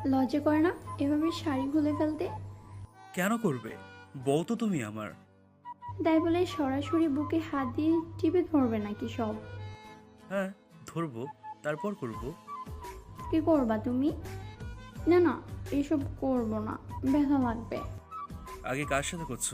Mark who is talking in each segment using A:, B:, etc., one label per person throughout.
A: লজ্জা করে না এভাবে শাড়ি খুলে ফেলতে?
B: কেন করবে? বউ তো তুমি আমার।
A: তাই বলে সরাসরি বুকে হাত দিয়ে টিপে ধরবে নাকি সব?
B: হ্যাঁ, ধরবো, তারপর করব।
A: কি করবা তুমি? না না, এসব করবো না, ব্যথা লাগবে।
B: আগে কার সাথে করছো?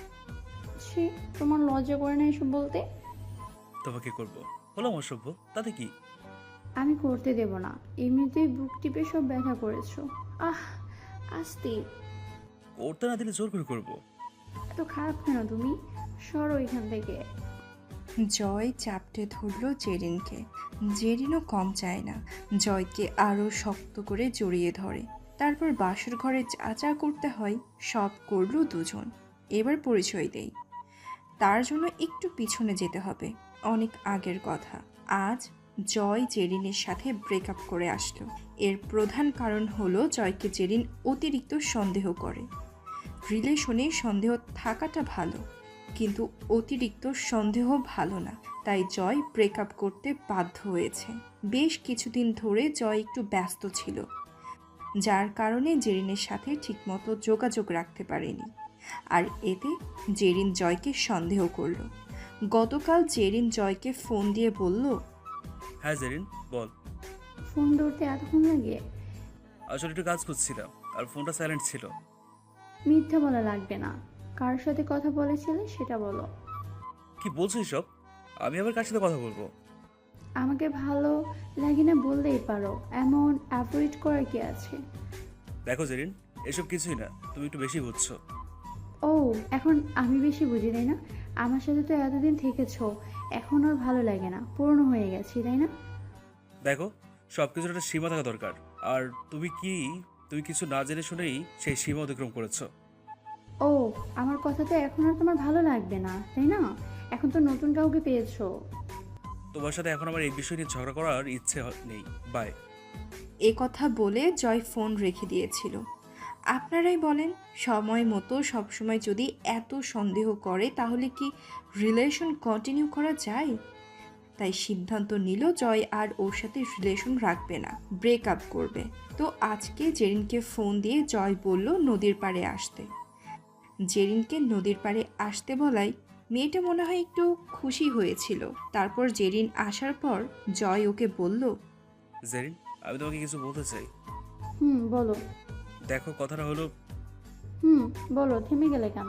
A: ছি, তোমার লজ্জা করে না এসব বলতে?
B: তোমাকে করব। হলাম অসভ্য, তাতে কি?
A: আমি করতে দেব না, এমনিতেই বুক টিপে সব ব্যথা করেছো। আহ, আস্তে।
B: করতে না দিলে জোর করে করব।
A: এত খারাপ কেন তুমি? সরো এখান থেকে।
C: জয় চাপটে ধরল জেরিনকে। জেরিনও কম চায় না, জয়কে আরও শক্ত করে জড়িয়ে ধরে। তারপর বাসর ঘরে যা যা করতে হয় সব করল দুজন। এবার পরিচয় দেই। তার জন্য একটু পিছনে যেতে হবে, অনেক আগের কথা। আজ জয় জেরিনের সাথে ব্রেকআপ করে আসলো। এর প্রধান কারণ হলো জয়কে জেরিন অতিরিক্ত সন্দেহ করে। রিলেশনে সন্দেহ থাকাটা ভালো, কিন্তু অতিরিক্ত সন্দেহ ভালো না। তাই জয় ব্রেকআপ করতে বাধ্য হয়েছে। বেশ কিছুদিন ধরে জয় একটু ব্যস্ত ছিল, যার কারণে জেরিনের সাথে ঠিকমতো যোগাযোগ রাখতে পারেনি। আর এতে জেরিন জয়কে সন্দেহ করল। গতকাল জেরিন জয়কে ফোন দিয়ে বলল,
B: হ্যাঁ জেরিন, বল।
A: ফোন ধরতে এতক্ষণ লাগে?
B: আসলে একটু কাজ করছিলাম আর ফোনটা সাইলেন্ট ছিল।
A: মিথ্যা বলা লাগবে না, কার সাথে কথা বলেছিলে সেটা বলো।
B: কি বলছো এসব? আমি আবার কার সাথে কথা বলবো?
A: আমাকে ভালো লাগে না বললেই পারো, এমন অ্যাভয়েড করার কি আছে?
B: দেখো জেরিন, এসব কিছুই না, তুমি একটু বেশি বুঝছো।
A: ও, এখন আমি বেশি বুঝি তাই না? আমার সাথে তো এতদিন থেকেছো, এখন আর ভালো লাগে না, পুরনো হয়ে গেছি তাই না?
B: দেখো, সব কিছুর একটা সীমা থাকা দরকার। আর তুমি কিছু না জেনে শুনেই সেই সীমা অতিক্রম করেছো।
A: ও, আমার কথা তো এখন আর তোমার ভালো লাগবে না তাই না? এখন তো নতুন কাউকে পেয়েছো।
B: তোমার সাথে এখন আমার এই বিষয় নিয়ে ঝগড়া করার ইচ্ছে নেই। বাই।
C: এ কথা বলে জয় ফোন রেখে দিয়েছিল। আপনারাই বলেন, সময় মতো সবসময় যদি এত সন্দেহ করে তাহলে কি রিলেশন কন্টিনিউ করা যায়? তাই সিদ্ধান্ত নিল জয় আর ওর সাথে রিলেশন রাখবে না, ব্রেকআপ করবে। তো আজকে জেরিনকে ফোন দিয়ে জয় বলল নদীর পাড়ে আসতে। জেরিনকে নদীর পাড়ে আসতে বলায় মেয়েটা মনে হয় একটু খুশি হয়েছিল। তারপর জেরিন আসার পর জয় ওকে বলল,
B: জেরিন, আমি তোমাকে কিছু বলতে চাই।
A: বলো।
B: দেখো, কথাটা হলো,
A: হুম, বলো, থেমে গেলে কেন?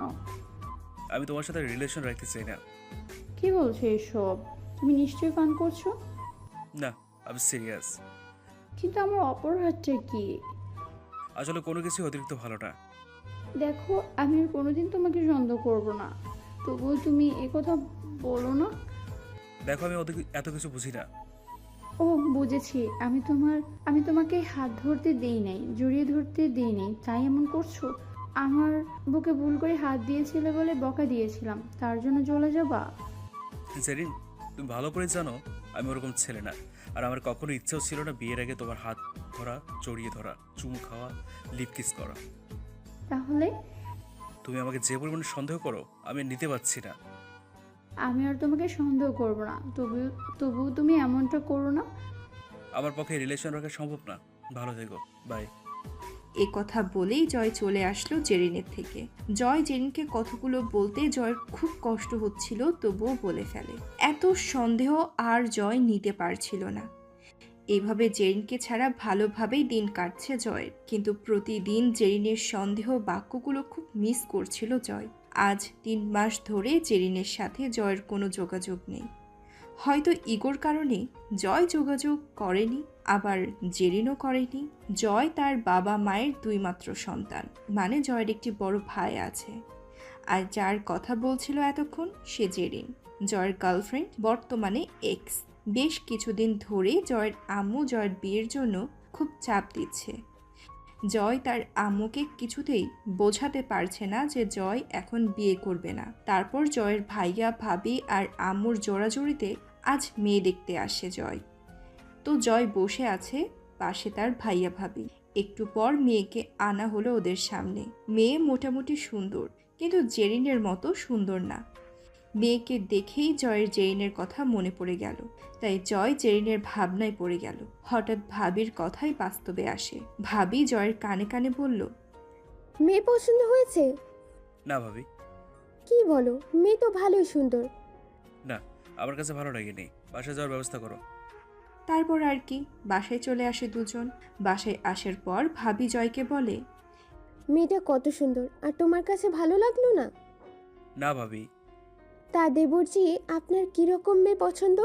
B: আমি তোমার সাথে রিলেশন রাখতে চাই না।
A: কি বলছো এসব? তুমি নিশ্চয়ই পান করছো।
B: না, আমি সিরিয়াস।
A: কিন্তু আমার অপরাধটা কি?
B: আসলে কোনো কিছু অতিরিক্ত ভালো না।
A: দেখো, আমি আর কোনোদিন তোমাকে সন্দেহ করব না, তবুও তুমি একথা বলো না।
B: দেখো, আমি এত কিছু বুঝি না।
A: ও, বুঝেছি। আমি তোমাকে হাত ধরতে দেই নাই, জড়িয়ে ধরতে দেই নাই, তাই এমন করছো? আমার বুকে ভুল করে হাত দিয়েছিলে বলে বকা দিয়েছিলাম, তার জন্য চলে যাবা?
B: জেরিন, তুমি ভালো করে জানো আমি ওরকম ছেলে না। আর আমার কখনো ইচ্ছেও ছিল না বিয়ের আগে তোমার হাত ধরা, জড়িয়ে ধরা, চুমু খাওয়া, লিপ কিস করা।
A: তাহলে?
B: তুমি আমাকে যে পরিমাণে সন্দেহ করো, আমি আর নিতে পারছি না।
A: আমি আর তোমাকে সন্দেহ করব না, তবুও তবুও তুমি এমনটা করো না।
B: আমার পক্ষে রিলেশন রাখা সম্ভব না। ভালো থেকো। বাই।
C: এ কথা বলেই জয় চলে আসলো জেরিনের থেকে। জয় জেরিনকে কথাগুলো বলতে জয়ের খুব কষ্ট হচ্ছিল, তবুও বলে ফেলে। এত সন্দেহ আর জয় নিতে পারছিল না। এভাবে জেরিনকে ছাড়া ভালোভাবেই দিন কাটছে জয়ের, কিন্তু প্রতিদিন জেরিনের সন্দেহ বাক্যগুলো খুব মিস করছিল জয়। আজ 3 মাস ধরে জেরিনের সাথে জয়ের কোনো যোগাযোগ নেই। হয়তো ইগোর কারণে জয় যোগাযোগ করেনি, আবার জেরিনও করেনি। জয় তার বাবা মায়ের 2 মাত্র সন্তান, মানে জয়ের একটি বড় ভাই আছে। আর যার কথা বলছিল এতক্ষণ সে জেরিন, জয়ের গার্লফ্রেন্ড, বর্তমানে এক্স। বেশ কিছুদিন ধরে জয়ের আম্মু জয়ের বিয়ের জন্য খুব চাপ দিচ্ছে। জয় তার আম্মুকে কিছুতেই বোঝাতে পারছে না যে জয় এখন বিয়ে করবে না। তারপর জয়ের ভাইয়া ভাবি আর আম্মুর জোড়াজুড়িতে আজ মেয়ে দেখতে আসে জয়। তো জয় বসে আছে পাশে তার ভাইয়া ভাবি। একটু পর মেয়েকে আনা হলো ওদের সামনে। মেয়ে মোটামুটি সুন্দর, কিন্তু জেরিনের মতো সুন্দর না। মেয়েকে দেখেই জয়ের জেরিনের কথা মনে পড়ে গেল। তাই জয় জেরিনের ভাবনায় পড়ে গেল। হঠাৎ ভাবির কথাই বাস্তবে আসে। ভাবি জয়ের কানে কানে বলল,
D: মেয়ে পছন্দ হয়েছে?
B: না ভাবি,
D: কি বলো, মেয়ে তো ভালোই সুন্দর।
B: না, আমার কাছে ভালো লাগেনি। বাসায় যাওয়ার ব্যবস্থা করো।
C: তারপর আর কি, বাসায় চলে আসে দুজন। বাসায় আসার পর ভাবি জয়কে বলে,
D: মেয়েটা কত সুন্দর, আর তোমার কাছে ভালো লাগলো না?
B: না ভাবি,
D: তা দেবরজি, আপনার কিরকম মেয়ে পছন্দ?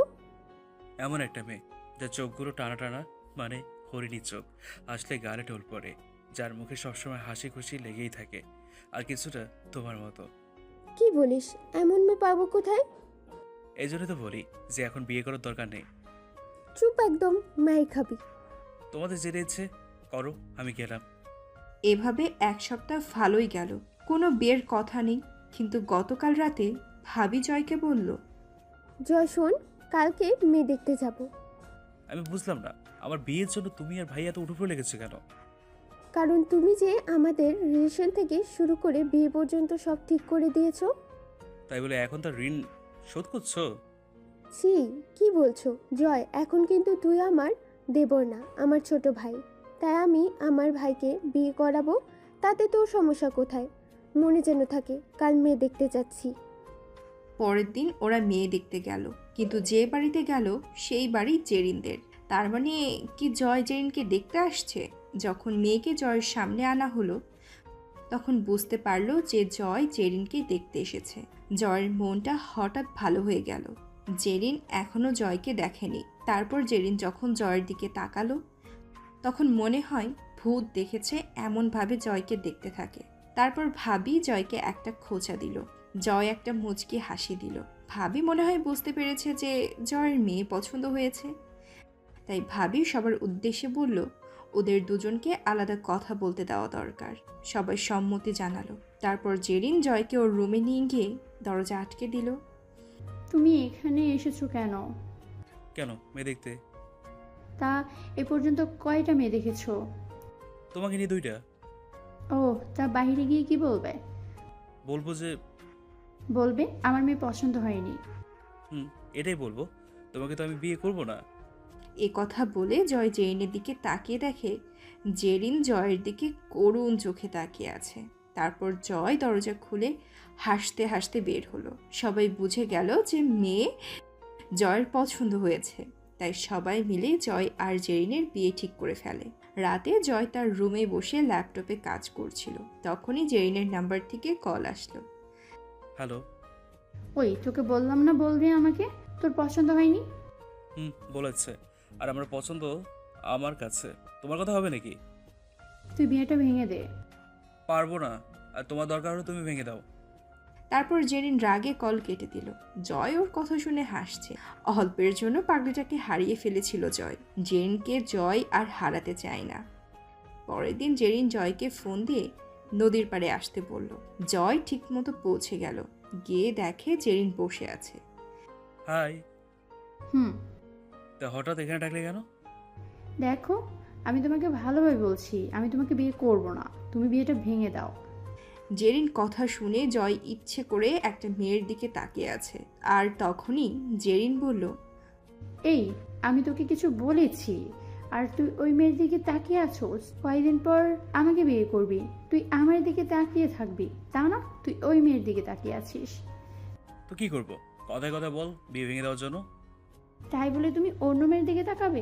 B: এমন একটা মেয়ে যার চোখগুলো টানা টানা, মানে হরিণী চোখ, আসলে গালে টোল পড়ে, যার মুখে সবসময় হাসি খুশি লেগেই থাকে, আর কিছুটা তোমার মতো।
D: কি বলিস, এমন মেয়ে পাবো কোথায়?
B: এই জন্য তো বলি যে এখন বিয়ে করার দরকার নেই।
D: চুপ একদম, মাই খাবি।
B: তোমাদের যেতে ইচ্ছে করো, আমি গেলাম।
C: এভাবে এক সপ্তাহ ভালোই গেল, কোনো বিয়ের কথা নেই। কিন্তু গতকাল রাতে ভাবি জয়কে বলল,
D: জয় শোন, কালকে মেয়ে দেখতে যাব।
B: আমি বুঝলাম না, আমার বিয়ের জন্য তুমি আর ভাই এত উঠে লেগেছে কেন?
D: কারণ তুমি যে আমাদের রিলেশন থেকে শুরু করে বিয়ে পর্যন্ত সব ঠিক করে দিয়েছো।
B: তাই বলে এখন তার ঋণ শোধ করছো?
D: ছি, কি বলছো জয়? এখন কিন্তু তুই আমার দেবর না, আমার ছোট ভাই। তাই আমি আমার ভাইকে বিয়ে করাবো, তাতে তোর সমস্যা কোথায়? মনে যেন থাকে কাল মেয়ে দেখতে যাচ্ছি।
C: পরের দিন ওরা মেয়ে দেখতে গেল, কিন্তু যে বাড়িতে গেল সেই বাড়ি জেরিনদের। তার মানে কি জয় জেরিনকে দেখতে আসছে? যখন মেয়েকে জয়ের সামনে আনা হলো, তখন বুঝতে পারলো যে জয় জেরিনকে দেখতে এসেছে। জয়ের মনটা হঠাৎ ভালো হয়ে গেল। জেরিন এখনো জয়কে দেখেনি। তারপর জেরিন যখন জয়ের দিকে তাকালো, তখন মনে হয় ভূত দেখেছে এমনভাবে জয়কে দেখতে থাকে। তারপর ভাবি জয়কে একটা খোঁচা দিল। জয় একটা মুচকি হাসি দিল। ভাবি মনে হয় বুঝতে পেরেছে যে জয়ের মেয়ে পছন্দ হয়েছে। তাই ভাবি সবার উদ্দেশ্যে বলল, ওদের দুজনকে আলাদা কথা বলতে দেওয়া দরকার। সবাই সম্মতি জানালো। তারপর জেরিন জয়কে ওর রুমে নিয়ে গিয়ে দরজা আটকে দিল।
A: তুমি এখানে এসেছো কেন?
B: কেন মেয়ে দেখতে?
A: তা এ পর্যন্ত কয়টা মেয়ে দেখেছো?
B: তোমাকে নিয়ে 2টা।
A: ও, তা বাইরে গিয়ে কি বলবে?
B: বলবো যে
A: বলবে আমার মেয়ে পছন্দ হয়নি।
B: এটাই বলবো, তোমাকে তো আমি বিয়ে করব না।
C: এ কথা বলে জয় জেরিনের দিকে তাকিয়ে দেখে জেরিন জয়ের দিকে করুণ চোখে তাকিয়ে আছে। তারপর জয় দরজা খুলে হাসতে হাসতে বের হলো। সবাই বুঝে গেল যে মেয়ে জয়ের পছন্দ হয়েছে। তাই সবাই মিলে জয় আর জেরিনের বিয়ে ঠিক করে ফেলে। রাতে জয় তার রুমে বসে ল্যাপটপে কাজ করছিল। তখনই জেরিনের নাম্বার থেকে কল আসলো।
B: হ্যালো।
A: ওই, তোকে বললাম না বলবি আমাকে? তোর পছন্দ হয়নি?
B: বলেছে, আর আমার পছন্দ আমার কাছে। তোমার কথা হবে নাকি?
A: তুই বিয়েটা ভেঙে দে।
B: পারবো না, আর তোমার দরকার হলে তুমি ভেঙে দাও।
C: তারপর জেরিন রাগে কল কেটে দিল। জয় ওর কথা শুনে হাসছে। অল্পের জন্য পাগলিটাকে হারিয়ে ফেলেছিল জয়। জেরিনকে জয় আর হারাতে চায় না। পরের দিন জেরিন জয়কে ফোন দিয়ে নদীর পাড়ে আসতে বলল। জয় ঠিকমতো পৌঁছে গেল। গিয়ে দেখে জেরিন বসে আছে।
B: হাই।
A: হুম।
B: তা হঠাৎ এখানে ডাকলে কেন?
A: দেখো, আমি তোমাকে ভালোভাবে বলছি, আমি তোমাকে বিয়ে করব না। তুমি বিয়েটা ভেঙে দাও।
C: জেরিন কথা শুনে জয় ইচ্ছে করে একটা মেয়ের দিকে তাকিয়ে আছে। আর তখনই জেরিন বলল,
A: এই, আমি তোকে কিছু বলেছি আর তুই ওই মেয়ের দিকে তাকিয়ে আছোস? কয়েকদিন পর আমাকে বিয়ে করবি, তুই আমার দিকে তাকিয়ে থাকবি, তা না তুই ওই মেয়ের দিকে তাকিয়ে আছিস।
B: তো কি করব? কথায় কথায় বল বিয়ে ভেঙে দেওয়ার জন্য।
A: তাই বলে তুমি অন্য মেয়ের দিকে তাকাবে?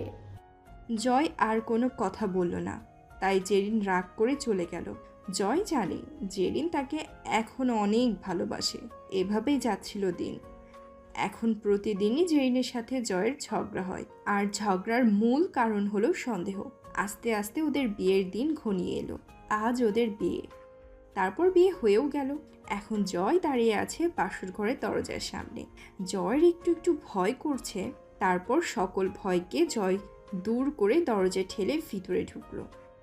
C: জয় আর কোনো কথা বলল না। তাই জেরিন রাগ করে চলে গেল। জয় জানে জেরিন তাকে এখনো অনেক ভালোবাসে। এভাবেই যাচ্ছিল দিন। এখন প্রতিদিনই জেরিনের সাথে জয়ের ঝগড়া হয়। আর ঝগড়ার মূল কারণ হলো সন্দেহ। আস্তে আস্তে ওদের বিয়ের দিন ঘনিয়ে এলো। আজ ওদের বিয়ে। তারপর বিয়ে হয়েও গেল। এখন জয় দাঁড়িয়ে আছে বাসর ঘরের দরজার সামনে। জয়ের একটু একটু ভয় করছে। তারপর সকল ভয়কে জয় দূর করে দরজা ঠেলে ভিতরে ঢুকলো।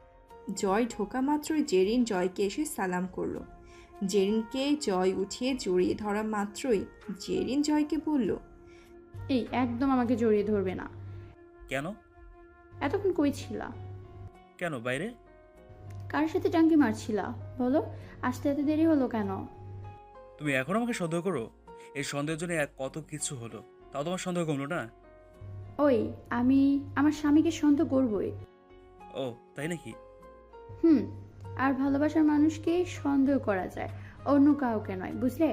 C: জয় ঢোকা মাত্রই জেরিন জয়কে এসে সালাম করলো। জেরিনকে জয় উঠিয়ে জড়িয়ে ধরা মাত্রই জেরিন জয়কে বলল,
A: এই, একদম আমাকে জড়িয়ে ধরবে না।
B: কেন?
A: এতক্ষণ কই ছিলা?
B: কেন বাইরে?
A: কার সাথে টাঙ্কি মারছিলা বলো? আসতে এত দেরি হলো কেন?
B: তুমি এখন আমাকে সন্দেহ করো? এই সন্দেহের জন্য কত কিছু হলো, তাও তোমার সন্দেহ কমলো না?
A: ওই, আমি আমার স্বামীকে সন্দেহ করবই।
B: ও তাই নাকি?
A: হুম। আর ভালোবাসার মানুষকে সন্দেহ করা যায়, অন্য কাউকে নয়, বুঝলে?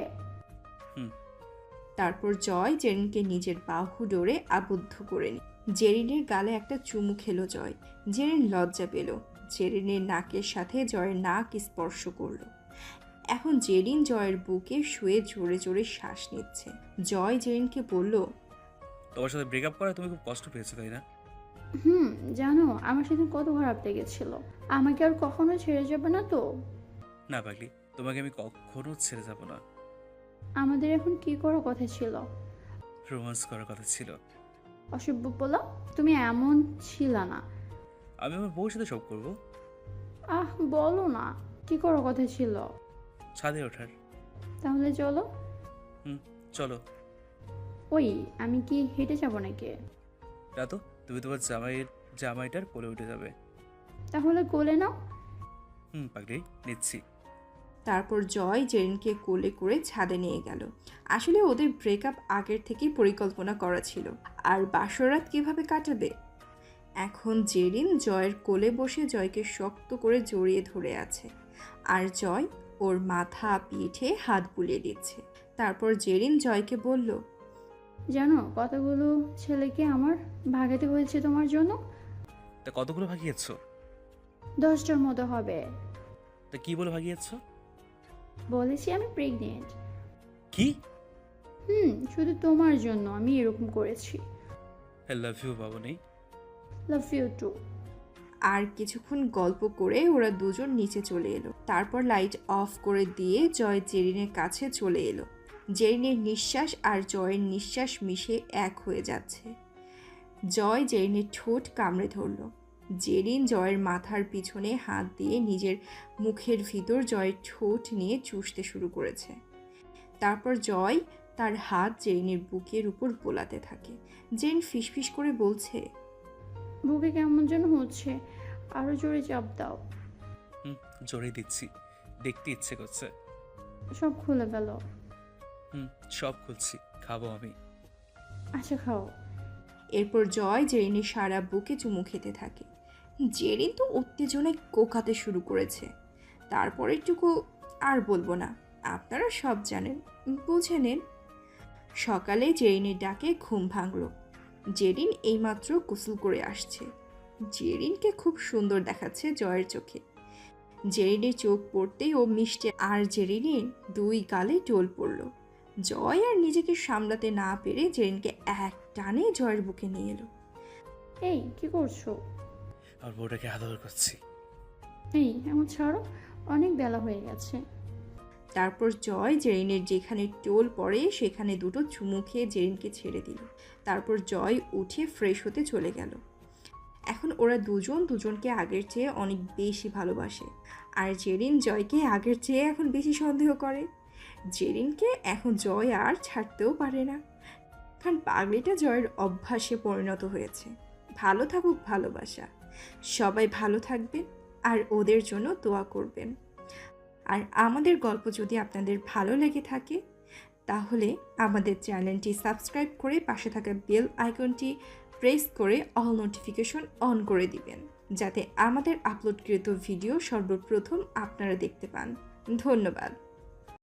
C: তারপর জয় জেরিনকে নিজের বাহু ডোরে আবদ্ধ করে নি। জেরিনের গালে একটা চুমু খেলো জয়। জেরিন লজ্জা পেল। জেরিনের নাকের সাথে জয়ের নাক স্পর্শ করলো। এখন জেরিন জয়ের বুকে শুয়ে জোরে জোরে শ্বাস নিচ্ছে। জয় জেরিনকে বলল,
B: তোমার সাথে ব্রেকআপ করে তুমি খুব কষ্ট পেয়েছো তাই না?
A: হুম। জানো আমার সেদিন কত খারাপ লেগেছিল। আমাকে আর কখনো ছেড়ে যাবে না তো?
B: না পাগলি, তোমাকে আমি কখনো ছেড়ে যাব না।
A: আমাদের এখন কি করার কথা ছিল?
B: রোমান্স করার কথা ছিল।
A: অসভ্য বলো, তুমি এমন ছিল না।
B: আমি আমার বউর সাথে সব করবো।
A: আহ বলো না, কি করার কথা ছিল?
B: ছাদে ওঠার।
A: তাহলে চলো।
B: চলো।
A: ওই, আমি কি হেঁটে যাবো নাকি?
B: না তো, তুমি তোমার জামাইটার কোলে উঠে যাবে।
A: তাহলে কোলে নাও।
B: পাগলি, নিচ্ছি।
C: তারপর জয় জেরিনকে কোলে করে ছাদে নিয়ে গেল। আসলে ওদের ব্রেকআপ আগের থেকেই পরিকল্পনা করা ছিল। আর বাসরাত কিভাবে কাটাবে? এখন জেরিন জয়ের কোলে বসে জয়কে শক্ত করে জড়িয়ে ধরে আছে। আর জয় ওর মাথা পিঠে হাত বুলিয়ে দিচ্ছে। তারপর জেরিন জয়কে বলল,
A: জানো কতগুলো ছেলেকে আমার ভাগাতে হয়েছে তোমার জন্য?
B: তা কতগুলো ভাগিয়েছ?
A: 10টার মতো হবে।
B: তা কি বলে ভাগিয়েছ?
A: বলেছি আমি প্রেগনেন্ট।
B: কি?
A: শুধু তোমার জন্য আমি এরকম করেছি।
B: আই লাভ ইউ বাবুনি।
A: Love you too.
C: আর কিছুক্ষণ গল্প করে ওরা দুজন নিচে চলে এলো। তারপর লাইট অফ করে দিয়ে জয় জেরিনের কাছে চলে এলো। জেরিনের নিঃশ্বাস আর জয়ের নিঃশ্বাস মিশে এক হয়ে যাচ্ছে। জয় জেরিনের ঠোঁট কামড়ে ধরল। জেরিন জয়ের মাথার পিছনে হাত দিয়ে নিজের মুখের ভিতর জয়ের ঠোঁট নিয়ে চুষতে শুরু করেছে। তারপর জয় তার হাত জেরিনের বুকের উপর বোলাতে থাকে। জেরিন ফিসফিস করে বলছে,
A: বুকে কেমন যেন হচ্ছে, আরো জোরে চাপ দাও।
B: জোরে দিচ্ছি, দেখতে ইচ্ছে করছে।
A: সব খুলে গেল।
B: সব খুলছি, খাবো আমি।
A: আচ্ছা খাও।
C: এরপর জয় জেরিনের সারা বুকে চুমু খেতে থাকে। জেরিন তো উত্তেজনায় কোকাতে শুরু করেছে। তারপরেরটুকু আর বলবো না, আপনারা সব জানেন, বুঝে নেন। সকালে জেরিনের ডাকে ঘুম ভাঙল। জেরিন এইমাত্র গোসল করে আসছে। জেরিনকে খুব সুন্দর দেখাচ্ছে জয়ের চোখে। জেরিনের চোখ পড়তেই ও মিষ্টি আর জেরিনের 2 গালে টোল পড়ল। জয় আর নিজেকে সামলাতে না পেরে জেরিনকে এক টানে জয়ের বুকে নিয়ে এলো।
A: এই কি করছো?
B: আর বউটাকে আদর করছি।
A: এই এমন ছাড়ো, অনেক বেলা হয়ে গেছে।
C: তারপর জয় জেরিনের যেখানে টোল পড়ে সেখানে 2টো চুমু খেয়ে জেরিনকে ছেড়ে দিল। তারপর জয় উঠে ফ্রেশ হতে চলে গেল। এখন ওরা দুজন দুজনকে আগের চেয়ে অনেক বেশি ভালোবাসে। আর জেরিন জয়কে আগের চেয়ে এখন বেশি সন্দেহ করে। জেরিনকে এখন জয় আর ছাড়তেও পারে না, কারণ পাগলিটা জয়ের অভ্যাসে পরিণত হয়েছে। ভালো থাকুক ভালোবাসা, সবাই ভালো থাকবেন আর ওদের জন্য দোয়া করবেন। আর আমাদের গল্প যদি আপনাদের ভালো লেগে থাকে তাহলে আমাদের চ্যানেলটি সাবস্ক্রাইব করে পাশে থাকা বেল আইকনটি প্রেস করে অল নোটিফিকেশন অন করে দিবেন, যাতে আমাদের আপলোডকৃত ভিডিও সর্বপ্রথম আপনারা দেখতে পান। ধন্যবাদ।